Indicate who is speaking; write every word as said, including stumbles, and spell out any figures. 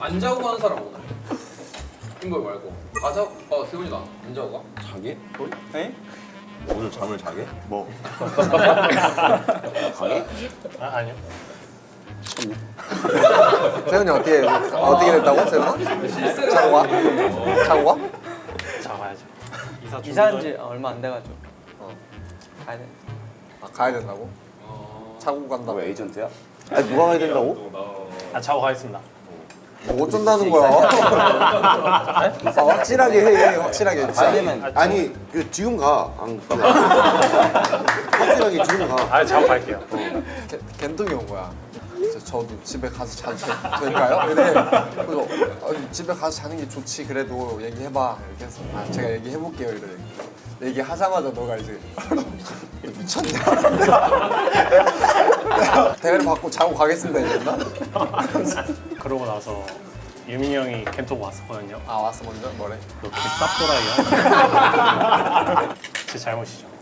Speaker 1: 안 자고 가는 사람 오늘. 인걸 말고. 아 자, 어 세훈이다. 안 자고 가?
Speaker 2: 자게?
Speaker 3: 에?
Speaker 2: 오늘 잠을 자게?
Speaker 3: 뭐?
Speaker 2: 가게?
Speaker 4: 아, 아니요.
Speaker 5: 세훈이 어떻게 어떻게 됐다고? 세훈아? 자고 가? 자고 가?
Speaker 4: 자가야죠. 이사
Speaker 3: 이사한 지 얼마 안 돼가지고
Speaker 5: 어.
Speaker 3: 가야 돼.
Speaker 5: 아, 가야 된다고? 자고 간다고?
Speaker 2: 너 에이전트야? 아니 누가 가야 된다고?
Speaker 4: 아, 자고 가겠습니다.
Speaker 5: 뭐 어쩐다는 거야? 아, 확실하게 해, 확실하게.
Speaker 2: 아니면 아니 그 지금 가. 안 가. 확실하게 지금 가.
Speaker 4: 아, 자고 갈게요.
Speaker 5: 개- 겐동이 온 거야. 그래서 저도 집에 가서 자도 되- 될까요? 이래. 그래서 아니, 집에 가서 자는 게 좋지. 그래도 얘기해봐. 이렇게 해서 아, 제가 얘기해볼게요. 이래. 얘기하자마자 너가 이제 미쳤냐? 대가리 받고 자고 가겠습니다. 이랬나?
Speaker 4: 그러고 나서 유민이 형이 겐톡 왔었거든요.
Speaker 5: 아 왔어 먼저 뭐래?
Speaker 4: 너 개쌉도라이야. 제 잘못이죠.